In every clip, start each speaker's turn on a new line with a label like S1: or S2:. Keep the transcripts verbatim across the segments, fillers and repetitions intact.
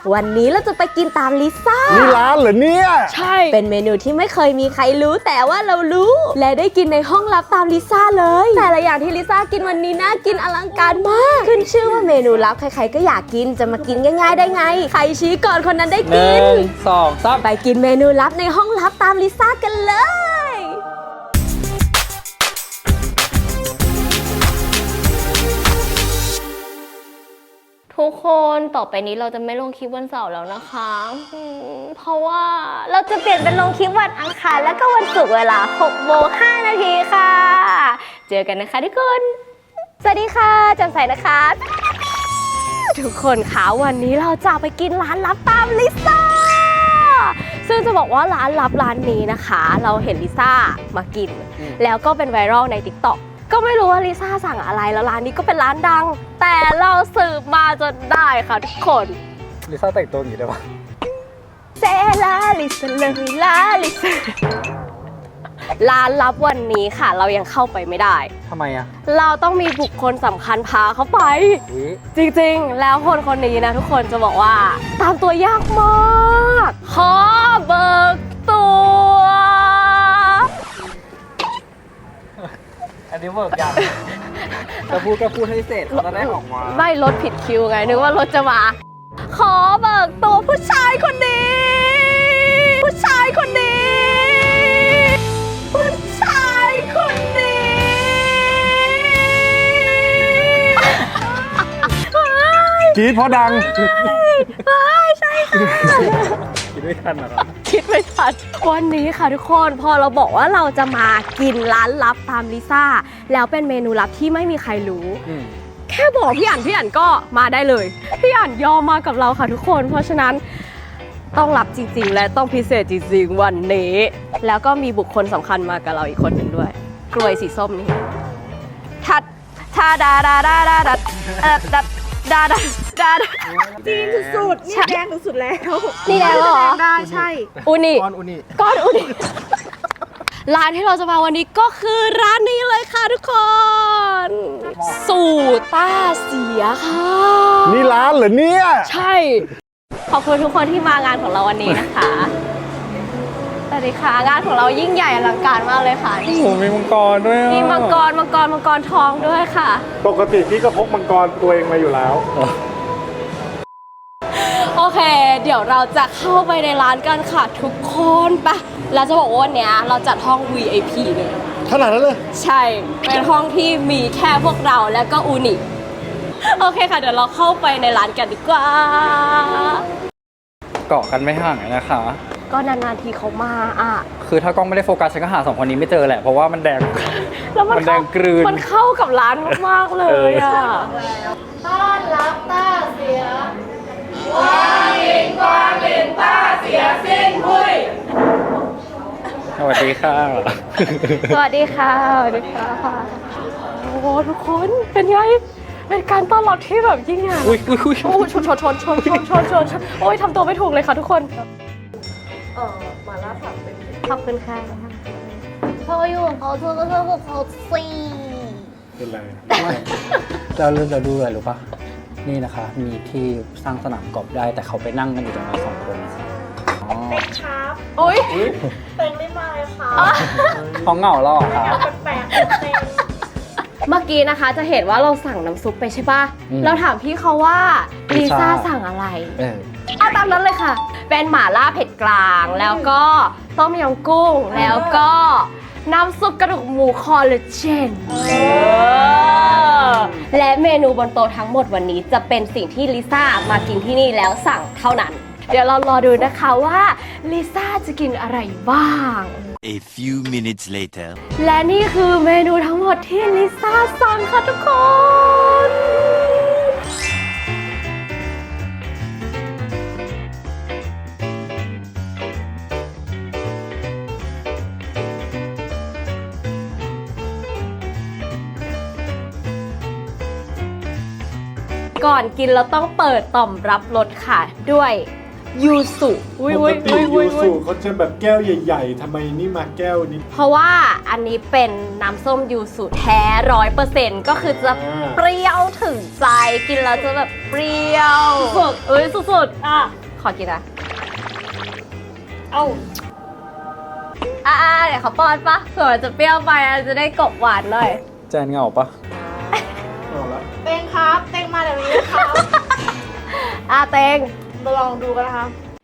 S1: วันนี้เราจะไปกินตามลิซ่า
S2: นี่ร้านเหรอเนี่ย
S1: ใช่เป็นเมนูที่ไม่เคยมีใครรู้แต่ว่าเรารู้และได้กินในห้องลับตามลิซ่าเลยแต่ละอย่างที่ลิซ่ากินวันนี้น่ากินอลังการมากขึ้นชื่อว่าเมนูลับใครๆก็อยากกินจะมากินง่ายๆได้ไงใครชี้ก่อนคนนั้นได้กิน
S3: หนึ่งสองสาม
S1: ไปกินเมนูลับในห้องลับตามลิซ่ากันเลยทุกคนต่อไปนี้เราจะไม่ลงคลิปวันเสาร์แล้วนะคะเพราะว่าเราจะเปลี่ยนเป็นลงคลิปวันอังคารแล้วก็วันศุกร์เวลาหกโมงห้านาทีค่ะเจอกันนะคะทุกคนสวัสดีค่ะจันใสนะคะทุกคนคะวันนี้เราจะไปกินร้านลับตามลิซ่าซึ่งจะบอกว่าร้านลับร้านนี้นะคะเราเห็นลิซ่ามากินแล้วก็เป็นไวรัลใน ติ๊กต็อก ก็ไม่รู้ว่าลิซ่าสั่งอะไรแล้วร้านนี้ก็เป็นร้านดังแต่เราสืบมาจนได้ค่ะทุกคน
S3: ลิซ่าแต่งตัวอย่างนี้ได้ปะ
S1: เซลาลิซ่าเลยลาลิซ่าร้านลับวันนี้ค่ะเรายังเข้าไปไม่ได้
S3: ทำไมอะ
S1: เราต้องมีบุคคลสำคัญพาเข้าไปจริงๆแล้วคนคนนี้นะทุกคนจะบอกว่าตามตัวยากมากขอเบิกตัว
S3: อันนี้เวิร์กยังจะพูดก็พูดให้เสร็จเราจะได้ออกมา
S1: ไม่รถผิดคิวไงนึกว่ารถจะมาขอเบิกตัวผู้ชายคนนี้ผู้ชายคนนี้ผู้ชายคนนี้
S2: กรี๊ดเพราะดัง
S1: ใช่ค่ะ
S3: คิดไม่ทันหรอ
S1: คิดไม่ทันวันนี้ค่ะทุกคนพอเราบอกว่าเราจะมากินร้านลับตามลิซ่าแล้วเป็นเมนูลับที่ไม่มีใครรู้แค่บอกพี่อั๋นพี่อั๋นก็มาได้เลยพี่อั๋นยอมมากับเราค่ะทุกคนเพราะฉะนั้นต้องลับจริงๆและต้องพิเศษจริงๆวันนี้แล้วก็มีบุคคลสำคัญมากับเราอีกคนหนึ่งด้วยกล้วยสีส้มนี่ทัดทาดาดาดาดาดัดเออดัดดาดาดาดา
S4: จีนสุดๆนี่แดงสุดๆแล้ว
S1: นี่แดงเหรอ
S4: ได้ใช่
S1: อุนิ
S3: ก้อนอุนิ
S1: ก้อนอุนิร้านที่เราจะมาวันนี้ก็คือร้านนี้เลยค่ะทุกคนสูต้าเสียค่ะ
S2: นี่ร้านเหรอเนี่ย
S1: ใช่ขอบคุณทุกคนที่มางานของเราวันนี้นะคะสวัสดีค่ะงานของเรายิ่งใหญ่อลังการมากเลยค่ะ
S3: โอ้โหมีมังกรด้วย
S1: มีมังกรมังกรมังกรทองด้วยค่ะ
S2: ปกติพี่ก็พกมังกรตัวเองมาอยู่แล้ว
S1: โอเคเดี๋ยวเราจะเข้าไปในร้านกันค่ะทุกคนไปเราจะบอกว่าวันนี้เราจัดห้อง วี ไอ พี เลย
S2: ขนาดนั้นเลย
S1: ใช่เป็นห้องที่มีแค่พวกเราแล้วก็อูนิโอเคค่ะเดี๋ยวเราเข้าไปในร้านกันดีกว่า
S3: เกาะกันไม่ห่างนะคะ
S1: ก็นานๆทีเขามาอ่ะ
S3: คือถ้ากล้องไม่ได้โฟกัสฉันก็หาสองคนนี้ไม่เจอแหละเพราะว่ามันแดง
S1: แล้วมัน
S3: แดงกลืน
S1: มันเข้ากับร้านมากๆเลยอ่ะต้อนรับต้าเสียวางลินกวางลินต้าเสียสิ้นพุย
S3: สวัสดีค่ะ
S1: สวัสดีค่ะสวัสดีค่ะโอ้โหทุกคนเป็นไงเป็นการต้อนรับที่แบบยิ่งใหญ่
S3: อุ้ยอุ้ยอุ้ย
S1: โอ้ชนชนชนชนชนชนชนชนโอ้ยทำตัวไม่ถูกเลยค่ะทุกคนเออมาล่าผักเป็นขอบคุณค่ะเธออยู่ของเขาเธอก็เธอกับเขาสิ
S2: เป็นไร
S3: เราเริ่มจะดูอะไรรู้ปะนี่นะคะมีที่สร้างสนามกอล์ฟได้แต่เขาไปนั่งกันอยู่ตรงนั้นสองคน
S4: เต็มครับ
S1: โอ้ย
S4: เต็มไม่มาเลยค่ะ
S3: เขาเหงาหรอคะ
S4: แปลกเต็ม
S1: เมื่อกี้นะคะจะเห็นว่าเราสั่งน้ำซุปไปใช่ปะเราถามพี่เขาว่าลิซ่าสั่งอะไรเอาตามนั้นเลยค่ะเป็นหม่าล่าเผ็ดกลางแล้วก็ต้มยำกุ้งแล้วก็น้ำซุปกระดูกหมูคอลลาเจนและเมนูบนโต๊ะทั้งหมดวันนี้จะเป็นสิ่งที่ลิซ่ามากินที่นี่แล้วสั่งเท่านั้นเดี๋ยวเรารอดูนะคะว่าลิซ่าจะกินอะไรบ้าง
S5: A few minutes later
S1: และนี่คือเมนูทั้งหมดที่ลิซ่าสั่งค่ะทุกคน ก่อนกินเราต้องเปิดต่อมรับรสค่ะด้วยยูสุอุ้ย
S2: ป
S1: อุ้
S2: ก
S1: ย
S2: ติ
S1: อุ้ย
S2: ยู
S1: อุ้ย
S2: สุเขาจะแบบแก้วใหญ่ๆทำไมนี่มาแก้วนี้
S1: เพราะว่าอันนี้เป็นน้ำส้มยูสุแท้ร้อยเปอร์เซ็นต์ก็คือจะ
S2: อ่า
S1: เปรี้ยวถึงใจกินแล้วจะแบบเปรี้ยวสุดเอ้ยสุด
S4: อ่ะ
S1: ๆขอกินนะ
S4: เอ้า
S1: อ่าเดี๋ยวเขาป้อนปะเผื่อมันจะเปรี้ยวไปอ่ะจะได้กบหวานหน่อย
S3: แจนเหงาปะ
S2: เอาละ
S4: เต็งครับ เต็งมาเดี๋ยวนี้นะครับ
S1: อ่ะเตง
S4: มาลองดูกันนะคะ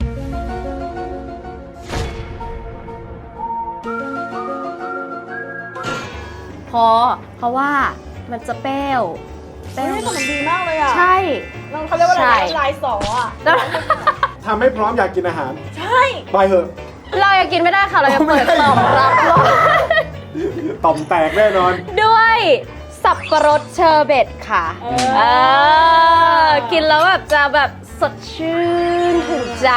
S1: พอเพราะว่ามันจะเปรี้ยวเป
S4: เฮ้
S1: รี้
S4: ย
S1: ยว
S4: แต่มันดีมากเลยอ่ะ
S1: ใช่
S4: เราเขาเรียกว่าอะไร
S1: ใช่
S4: นะลายสออ่ะ
S1: แล้ว
S2: ทำให้พร้อมอยากกินอาหาร
S4: ใช่
S2: ไปเถอะ
S1: เรายังกินไม่ได้ค่ะเรายังเปิดต่อมรับรอง
S2: ต่อมแตกแน่นอน
S1: ด้วยสับปะรดเชอร์เบตค่ะ
S4: เอ
S1: เอ
S4: อ
S1: อ กินแล้วแบบจะแบบสดชื่นถึงใจ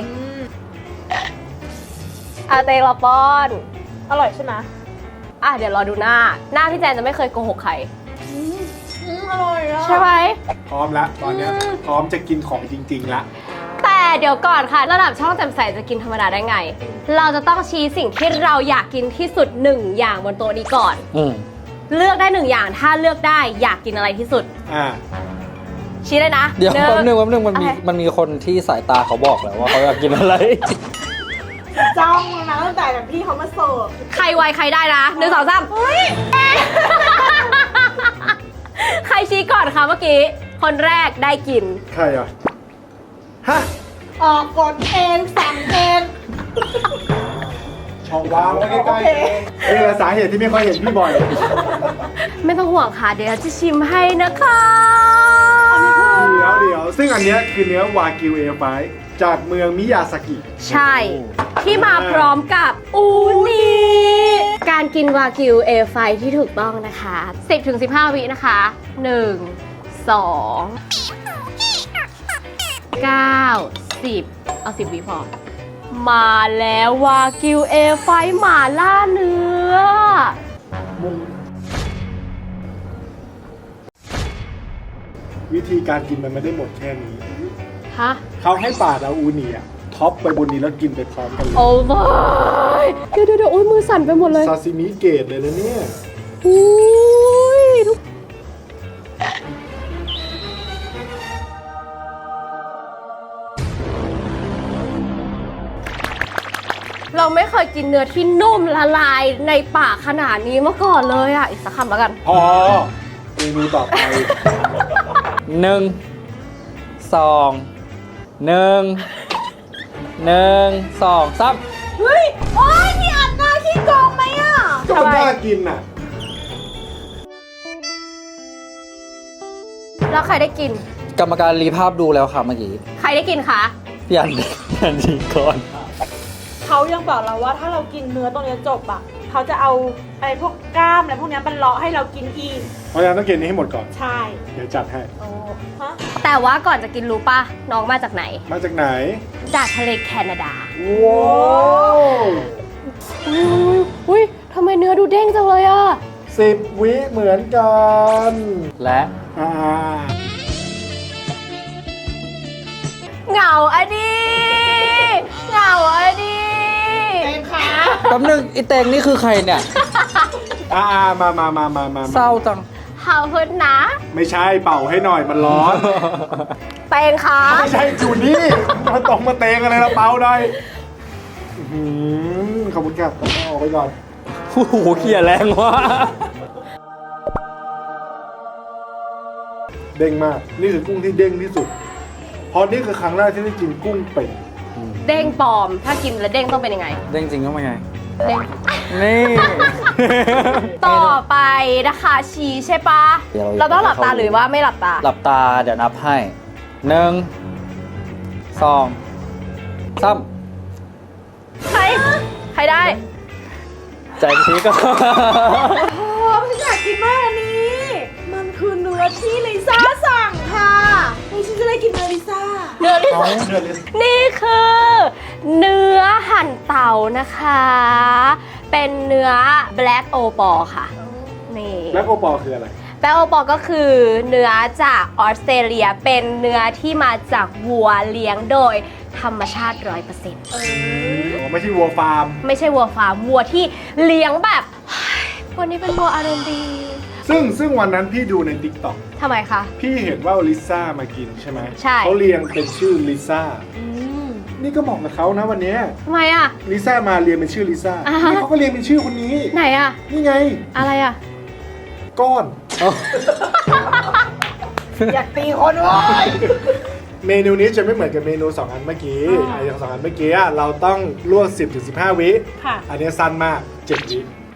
S1: อาเตงเราป้อน
S4: อร่อยใช่ไหม
S1: อ่ะเดี๋ยวรอดูหน้า หน้าพี่แจนจะไม่เคยโกหกใคร
S4: อืมอร่อยอ่ะ
S1: ใช่ไหม
S2: พร้อมแล้วตอนเนี้ย
S1: อืม
S2: พร้อมจะกินของจริงๆละ
S1: แต่เดี๋ยวก่อนค่ะ ระดับช่องแจ่มใสจะกินธรรมดาได้ไง เราจะต้องชี้สิ่งที่เราอยากกินที่สุดหนึ่งอย่างบนโต๊ะนี้ก่อน
S3: อืม
S1: เลือกได้หนึ่งอย่างถ้าเลือกได้อยากกินอะไรที่สุด
S2: อ่า
S1: ชี้เลยนะ
S3: เดี๋ยว
S1: หนึ่ง
S3: แป๊บนึงแป๊บนึงมันมี
S1: โอเค
S3: มันมีคนที่สายตาเขาบอกแล้วว่าเขาอยากกินอะไร
S4: จ้องนะตั้งแต่แบบพี่เขามาเสิร์ฟ
S1: ใครไวใครได้นะหนึ่งสองสามใครชี้ก่อนคะเมื่อกี้ คนแรกได้กิน
S2: ใครอ่ะ ฮะ
S4: ออกกดเองสั่งเอง
S2: ช่องวางไว้ใกล้
S4: โอเค
S2: ๆนี่แหละสาเหตุที่ไม่ค่อยเห็นพี่บ่อย
S1: ไม่ต้องห่วงค่ะ เดี๋ยวจะชิมให้นะคะ
S2: เดี๋ยวเดี๋ยวซึ่งอันเนี้ยคือเนื้อวากิวเอไฟจากเมืองมิยาสกิ
S1: ใช่ ที่มาพร้อมกับอูนิการกินวากิวเอไฟที่ถูกต้องนะคะ สิบถึงสิบห้า วินะคะ หนึ่ง สอง เก้า สิบ เอาสิบวิพอ มาแล้ววากิวเอไฟหม่าล่าเนื้อ
S2: วิธีการกินมันไม่ได้หมดแค่นี้
S1: ฮะ
S2: เขาให้ปาดเอาอูนิอ่ะท็อปไปบนนี้แล้วกินไปพร้อมกันเลย
S1: โอ้ยเดี๋ยวเดี๋ยวเดี๋ยวโอ้ยมือสั่นไปหมดเลย
S2: ซาซิมิเกตเลยนะเนี่ย
S1: อุ้ยทุกเราไม่เคยกินเนื้อที่นุ่มละลายในปากขนาดนี้มาก่อนเลยอ่ะ อีกสักคำแล้วกัน
S2: พอเมนูต่อไป
S3: หนึ่ง สอง หนึ่ง หนึ่ง สองสาม
S4: เฮ้ย โอ้ยนี่อัดหน้าขี้โกงไหมอ่ะ
S2: ก็มันน่ากินอ่ะ
S1: แล้วใครได้กิน
S3: กรรมการรีภาพดูแล้วค่ะเมื่อกี้
S1: ใครได้กินคะ
S3: พี่อันพี่อันดีก่อน
S4: เขายังบอกเราว่าถ้าเรากินเนื้อตรงเนี้ยจบอ่ะ เขาจะเอาอะไรพวกกล้ามอะไรพวกเนี้ยมันเลาะให้เรากินอีก
S2: เพราะฉะนั้นต้องกินนี้ให้หมดก่อน
S4: ใช่
S2: เดี๋ยวจัดให้
S4: โอ้ฮะ
S1: แต่ว่าก่อนจะกินรู้ป่ะ น้องมาจากไหน
S2: มาจากไหน
S1: จากทะเลแคนาดา
S2: ว้าว
S1: อุ้ยอุ้ยทำไมเนื้อดูเด้งจังเลยอ่ะ
S2: สิบวิเหมือนกัน
S3: และ
S2: อ่า
S1: เหงาอะดิเหงาอะดิ
S4: เต็งขา
S3: แป๊บนึงไอเตงนี่คือใครเนี่ย
S2: อ่ามามามามามา
S3: เศร้าจัง
S1: เฮาพึ่นนะ
S2: ไม่ใช่เป่าให้หน่อยมันร้อน
S1: เตงคะ
S2: ไม่ใช่จูนี่มาตรงมาเตงอะไรละเป่าหน่อยอื้อหือขอบคุณครับเอาออกไปก่อน
S3: โอ้โหเขี่ยแรงว่ะ
S2: เด้งมาก นี่คือกุ้งที่เด้งที่สุด เพราะนี่คือครั้งแรกที่ได้กินกุ้งเป็ด
S1: เด้งปลอม ถ้ากินแล้วเด้งต้องเป็นยังไง
S3: เด้งจริงก็ไม่ไง
S1: เด้ง
S3: นี่
S1: ต่อไปนะคะชี้ใช่ปะ
S3: เดี๋ยว
S1: เราต้องหลับตาหรือว่าไม่หลับตา
S3: หลับตาเดี๋ยวนับให้หนึ่ง สองสาม
S1: ใคร ใครได้
S3: ใจชี้ก็
S4: โอ้ฉันอยากกินมากอันนี้ มันคือเนื้อที่ลิซ่าสั่งค่ะนี่ฉันจะได้กินเนื้อลิซ่า
S1: เนื้อที่
S2: น้องเดือดเลย
S1: นี่คือ เนื้อหั่นเต่านะคะ เป็นเนื้อ black o p a l ค่ะ นี่
S2: แล้วโอปอลคืออะไร
S1: แป้งโอปอก็คือเนื้อจากออสเตรเลียเป็นเนื้อที่มาจากวัวเลี้ยงโดยธรรมชาติ ร้อยเปอร์เซ็นต์
S2: อ๋อไม่ใช่วัวฟาร์ม
S1: ไม่ใช่วัวฟาร์มวัวที่เลี้ยงแบบ วันนี้เป็นวัวอารมณ์ดี
S2: ซึ่งซึ่งวันนั้นพี่ดูใน ติ๊กต็อก
S1: ทำไมคะ
S2: พี่เห็นว่าลิซ่ามากินใช่ไหม
S1: ใช่
S2: เขาเรียงเป็นชื่อลิซ่า
S1: อืม
S2: นี่ก็เหมาะกับเขานะวันเนี้ย
S1: ทำไมอ่ะ
S2: ลิซ่ามาเรียงเป็นชื่อลิซ่า
S1: อ่าฮะ
S2: นี่เขาก็เรียงเป็นชื่อคนนี้
S1: ไหนอ่ะ
S2: นี่ไง
S1: อะไรอ่ะ
S2: ก้อน
S4: อยากตีคนเว้ย
S2: เมนูนี้จะไม่เหมือนกับเมนูสองอันเมื่อกี้
S4: อ่า
S2: อ่ะอย่างสองอันเมื่อกี้อ่ะเราต้องลวก สิบถึงสิบห้า วิ
S4: ค่ะ
S2: อันนี้สั้นมากเจ็ดวิ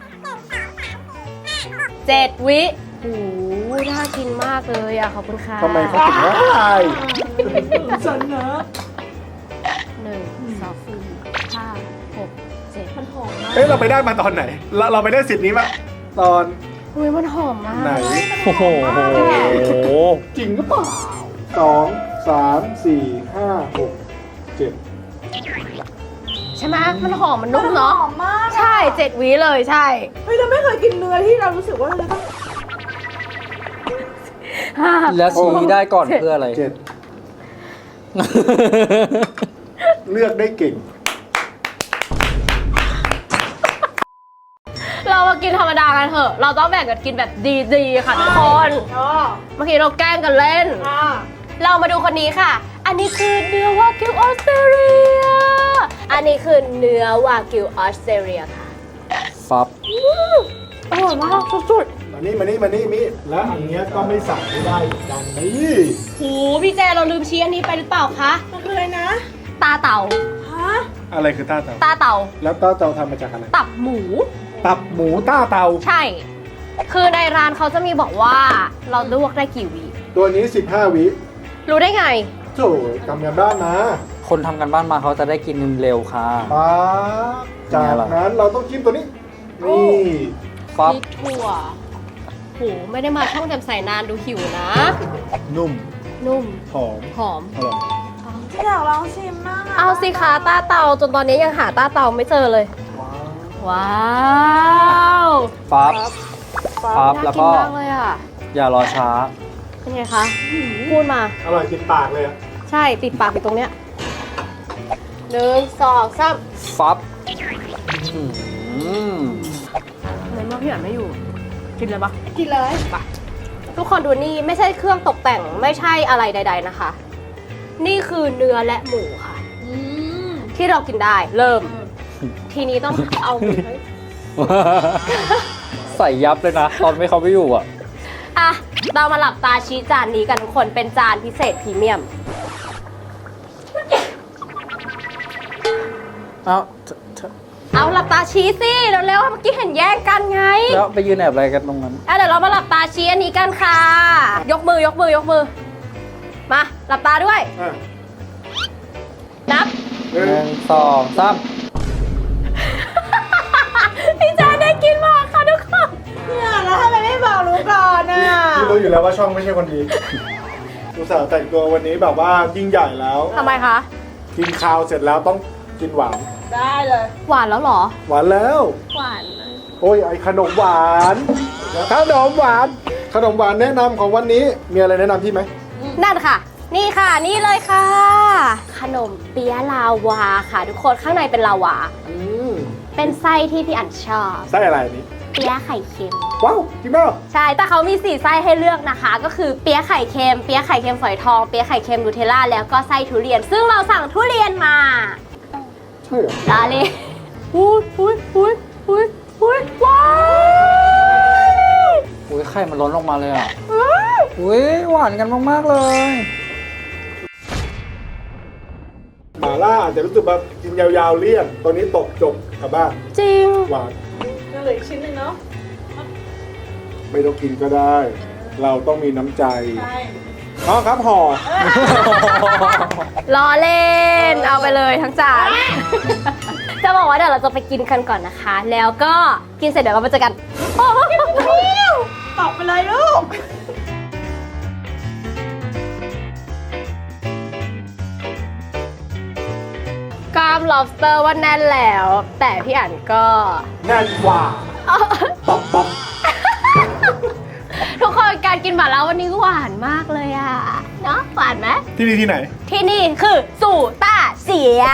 S1: เจ็ดวิโอ้โหน่ากินมากเลยอ่ะ ขอบคุณค่ะ
S2: ทำไมเขาถึงได้
S4: ฉันนะ
S1: หนึ่งสองสี่ห้าหกเจ็ด
S4: มันหอมมาก
S2: เอ้ยเราไปได้มาตอนไหน เราเราไปได้สิทธิ์นี้มาตอน
S1: อุ้ยมันหอมมาก
S2: ไหน
S3: โอ้โห
S2: จริงหรือเปล่าสองสามสี่ห้าหกเจ็ด
S1: ใช่ไหมมันหอมมันนุ่มเนาะ
S4: หอมมากอะ
S1: ใช่เจ็ดวิเลยใช่
S4: เฮ้ยเราไม่เคยกินเนื้อที่เรารู้สึกว่าเราจะต้อง
S3: แล้วชี้ได้ก่อนเพื่ออะไร
S2: เจ็ดเลือกได้เก่ง
S1: เรามากินธรรมดากันเถอะ เราต้องแบ่งกันกินแบบดีๆค่ะทุกคน
S4: อ๋อ
S1: เมื่อกี้เราแกล้งกันเล่น
S4: อ่า
S1: เรามาดูคนนี้ค่ะ อันนี้คือเนื้อวากิวออสเตรเลีย อันนี้คือเนื้อวากิวออสเตรเลียค่ะ
S3: ฟับ
S1: อร่อยมากสุด
S2: มานี่มานี่มานี่มิแล้วอันเนี้ยก็ไม่สั่งไม่ได้เหมือนกันนี่
S1: ๆโหพี่เจเราลืมชี้อันนี้ไปหรือเปล่าคะ
S4: มันคืออะไรนะ
S1: ตาเต่า
S4: ฮะ
S2: อะไรคือต้าเตา
S1: ตาเต่า
S2: แล้วต้าเตาทำมาจากอะไร
S1: ตับหมู
S2: ตับหมูต้าเตา
S1: ใช่ คือในร้านเขาจะมีบอกว่าเราลวกได้กี่วิ
S2: ตัวนี้สิบห้าวิ
S1: รู้ได้ไง
S2: โถ่ทำกันบ้านนะ
S3: คนทำกันบ้านมาเขาจะได้กินเร็วค่ะ
S2: ป๊าบจากนั้นเราต้องจิ้มตัวนี้ นี่
S3: ฟับ
S1: พริกถั่วโหไม่ได้มาช่องแจ่มใสนานดูหิวนะ
S2: นุ่ม
S1: นุ่ม
S2: หอม
S1: หอม
S2: อร่อย
S4: อยากลองชิมมากะ
S1: เอาสิคะต้าเตาจนตอนนี้ยังหาต้าเตาไม่เจอเลย ว้าว
S3: ฟับ ฟับ
S1: น่า
S3: แล้ว
S1: กิน
S3: ก็
S1: มากเลยอ่ะ
S3: อย่ารอช้า
S1: เป็นไงคะพูดมา
S2: อร่อยติดปากเลยอะ
S1: ใช่ติดปากอยู่ตรงเนี้ยหนึ่งสองสาม
S3: ฟับอืม
S1: เหมือนว่าพี่อ่านไม่อยู่ กินเลยปะ
S4: กินเลย
S1: ทุกคนดูนี่ไม่ใช่เครื่องตกแต่งไม่ใช่อะไรใด ๆนะคะ นี่คือเนื้อและหมูค่ะ
S4: อืม
S1: ที่เรากินได้เริ่ม ทีนี้ต้องเอาหมูให้
S3: ใส่ยับเลยนะ ตอนไม่เขาไม่อยู่อ่ะ
S1: อ่ะ เรามาหลับตาชี้จานนี้กันทุกคนเป็นจานพิเศษพรีเมียม
S3: เอ้า
S1: เอาหลับตาชี้สิเร็วๆเมื่อกี้เห็นแย่งกันไง
S3: แล้วไปยืนแอบอะไรกันตรงนั้น
S1: อ่ะเดี๋ยวเรามาหลับตาชี้อันนี้กันค่ะ ยกมือยกมือยกมือ มาหลับตาด้วย
S2: อ่ะ
S1: นับ
S2: หนึ่
S3: หนึ่
S2: ง
S3: งสองสาม
S1: พี่จานได้กินมากค่ะทุกคน
S4: เนี่ยแล้วทำไมไม่บอกรู้ก่อนน่ะ
S2: พี่รู้อยู่แล้วว่าช่องไม่ใช่คนดีอุตส่าห์แต่งตัววันนี้แบบว่ายิ่งใหญ่แล้ว
S1: ทำไมคะ
S2: กินข้าวเสร็จแล้วต้องกินหวาน
S4: ได้เลย
S1: หวานแล้วเหรอ
S2: หวานแล้ว
S1: หวาน
S2: โอ้ยไอขนมหวานขนมหวาน ขนมหวานแนะนำของวันนี้ มีอะไรแนะนำพี่ไหม
S1: นั่นค่ะ นี่ค่ะนี่เลยค่ะ ขนมเปี๊ยะลาวาค่ะ ทุกคนข้างในเป็นลาวา
S2: อืม
S1: เป็นไส้ที่พี่อันชอบ
S2: ไส้อะไรอันนี้
S1: เปี๊ยะไข่เค็ม
S2: ว้าวจริงเปล่า
S1: ใช่ แต่เขามีสี่ไส้ให้เลือกนะคะ ก็คือเปี๊ยะไข่เค็ม เปี๊ยะไข่เค็มฝอยทอง เปี๊ยะไข่เค็มนูเทลล่า แล้วก็ไส้ทุเรียน ซึ่งเราสั่งทุเรียนมา
S2: ใช่เหรอ
S1: ลาเลยอุ้ยอุ้ยอุ้ยอุ้ยอุ้ยว้าว
S3: อุ้ยไข่มันล้นออกมาเลยอ่ะ อุ้ยหวานกันมากๆเลย
S2: หม่าล่าอาจจะรู้สึกแบบกินยาวๆเลี่ยนตัวนี้ตกจบกลับบ้าน
S1: จริง
S2: หวาน
S4: ก็เหลืออีกชิ้นหนึ่งเนาะ
S2: ไม่ต้องกินก็ได้ เราต้องมีน้ำใจ
S4: ใช่
S2: อ๋อครับห่อ
S1: ล้อเล่น เอาไปเลยทั้งจาน จะบอกว่าเดี๋ยวเราจะไปกินกันก่อนนะคะ แล้วก็กินเสร็จเดี๋ยวเราไปเจอกันโอ้โห
S4: ตอบไปเลยลูก
S1: กล้าม lobster ว่าแน่นแล้ว แต่พี่อั๋นก็
S2: แน่นกว่าป๊อปป๊อป
S1: ทุกคนานกินหม่าล่าวันนี้ก็หวานมากเลยอะเนาะหวานไหม
S2: ที่นี่ที่ไหน
S1: ที่นี่คือสู่ต้าเสีย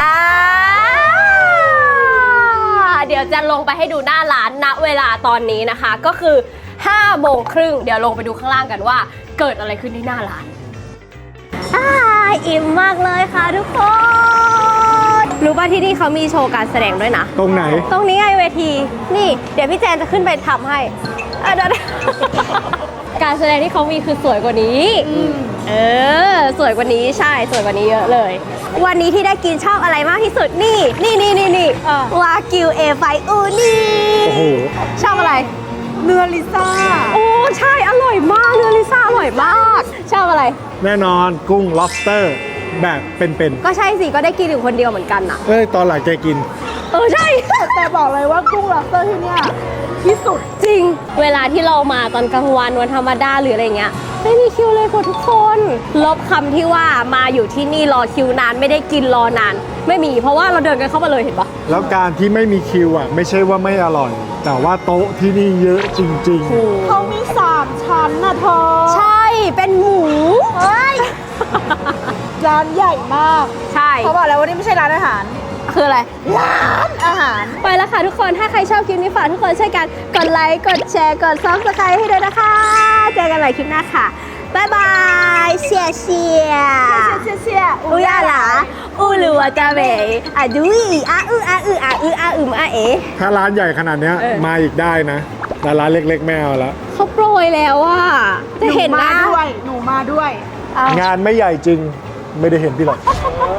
S1: เดี๋ยวจะลงไปให้ดูหน้าร้านณเวลาตอนนี้นะคะ ก็คือห้าโมงครึ่งเดี๋ยวลงไปดูข้างล่างกันว่าเกิดอะไรขึ้นที่หน้าร้านอ่าอิ่มมากเลยค่ะทุกคน รู้ป่ะที่นี่เขามีโชว์การแสดงด้วยนะ
S2: ตรงไหน
S1: ตรงนี้ไงเวที นี่ เดี๋ยวพี่แจนจะขึ้นไปทำให้อ่ะเดี๋ยว การแสดงที่เขามีคือสวยกว่านี้ เออ สวยกว่านี้ใช่ สวยกว่านี้เยอะเลย วันนี้ที่ได้กินชอบอะไรมากที่สุด นี่ นี่นี่นี่นี่วากิวเอไฟอูนี่
S2: โอ้โห
S1: ชอบอะไร
S4: เนื้อลิซ่า
S1: โอ้ ใช่ อร่อยมาก เนื้อลิซ่าอร่อยมาก ชอบอะไร
S2: แน่นอนกุ้ง lobster แบบเป็น
S1: ก็ใช่สิ ก็ได้กินอยู่คนเดียวเหมือนกันน่ะ
S2: ๆเอ้ย ตอนหลังแกกิน
S1: เออ ใช่
S4: แต่บอกเลยว่ากุ้งล็อบสเตอร์ที่เนี่ยที่สุด
S1: จริง เวลาที่เรามาตอนกลางวันวันธรรมดาหรืออะไรเงี้ยไม่มีคิวเลยค่ะทุกคน ลบคำที่ว่ามาอยู่ที่นี่รอคิวนานไม่ได้กินรอนาน ไม่มีเพราะว่าเราเดินกันเข้ามาเลยเห็นปะ
S2: แล้วการที่ไม่มีคิวอ่ะ ไม่ใช่ว่าไม่อร่อย แต่ว่าโต๊ะที่นี่เยอะจริง
S4: เขามีสามชั้นนะเธอ
S1: ใช่เป็นหมูเฮ้ย
S4: ร้านใหญ่มาก
S1: ใช่
S4: เขาบอกแล้วว่านี่ไม่ใช่ร้านอาหาร
S1: คืออะไร
S4: ร้านอาหาร
S1: ไปแล้วค่ะทุกคนถ้าใครชอบคลิปนี้ฝากทุกคนช่วยกันกดไลค์กดแชร์กดซับสไครต์ให้ด้วยนะคะเจอกันใหม่คลิปหน้าค่ะบ๊ายบายเชียเชีย
S4: เชี่ยเชี่ย
S1: อุยาหลาอูหลัวกาเบอะดุยอาอืออาอืออาอืออาอืมอาเอ
S2: ๆ ถ้าร้านใหญ่ขนาดเนี้ย
S1: เออ
S2: มาอีกได้นะ แต่ร้านเล็กๆ ไม่เอาละ
S1: เขาโปรยแล้วว่าจะเห็น
S4: หนู
S1: ห
S4: มา
S1: น้า
S4: ด้วย หนูมาด้วย
S1: เอา
S2: งานไม่ใหญ่จริง ไม่ได้เห็นพี่หรอก
S1: เ